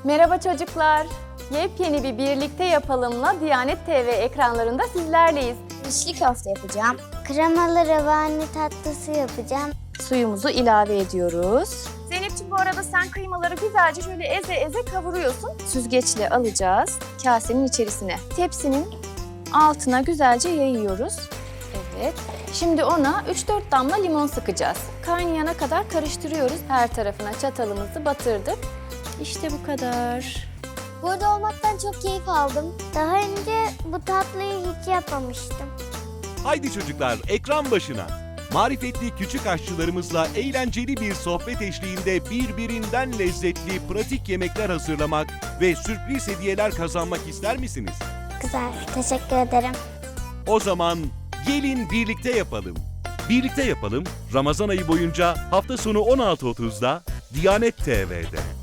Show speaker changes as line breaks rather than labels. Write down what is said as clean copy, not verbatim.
Merhaba çocuklar. Yepyeni bir Birlikte Yapalım'la Diyanet TV ekranlarında sizlerleyiz.
İçli köfte yapacağım. Kremalı revani tatlısı yapacağım.
Suyumuzu ilave ediyoruz. Zeynep'ciğim, bu arada sen kıymaları güzelce şöyle eze eze kavuruyorsun. Süzgeçle alacağız kasenin içerisine. Tepsinin altına güzelce yayıyoruz. Evet. Şimdi ona 3-4 damla limon sıkacağız. Kaynayana kadar karıştırıyoruz. Her tarafına çatalımızı batırdık. İşte bu kadar.
Burada olmaktan çok keyif aldım. Daha önce bu tatlıyı hiç yapmamıştım.
Haydi çocuklar, ekran başına. Marifetli küçük aşçılarımızla eğlenceli bir sohbet eşliğinde birbirinden lezzetli pratik yemekler hazırlamak ve sürpriz hediyeler kazanmak ister misiniz?
Güzel, teşekkür ederim.
O zaman gelin birlikte yapalım. Birlikte yapalım, Ramazan ayı boyunca hafta sonu 16.30'da Diyanet TV'de.